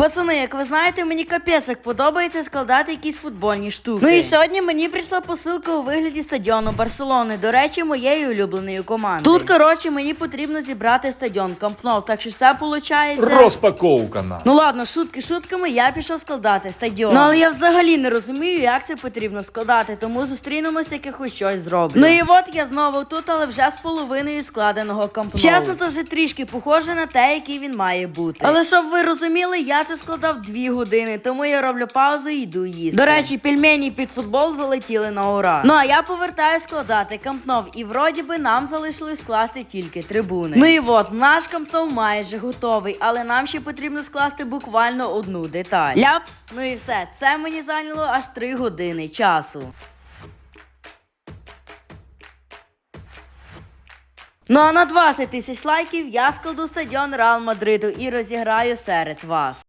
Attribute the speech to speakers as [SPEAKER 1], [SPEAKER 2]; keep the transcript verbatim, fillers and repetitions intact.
[SPEAKER 1] Пацани, як ви знаєте, мені капець як подобається складати якісь футбольні штуки. Ну і сьогодні мені прийшла посилка у вигляді стадіону Барселони, до речі, моєї улюбленої команди. Тут, коротше, мені потрібно зібрати стадіон Камп Ноу, так що все виходить...
[SPEAKER 2] Розпаковка на.
[SPEAKER 1] Ну ладно, шутки шутками, я пішов складати стадіон. Ну але я взагалі не розумію, як це потрібно складати, тому зустрінемося, як я хоч щось зроблю. Ну і от я знову тут, але вже з половиною складеного Камп Ноу. Чесно, то вже трішки похоже на те, який він має бути. Але щоб ви розуміли, я це складав дві години, тому я роблю паузу і йду їсти. До речі, пельмені під футбол залетіли на ура. Ну а я повертаю складати Камп Ноу, і вроді би нам залишилось скласти тільки трибуни. Ну і от, наш Камп Ноу майже готовий, але нам ще потрібно скласти буквально одну деталь. Ляпс, ну і все, це мені зайняло аж три години часу. Ну а на двадцять тисяч лайків я складу стадіон Реал Мадриду і розіграю серед вас.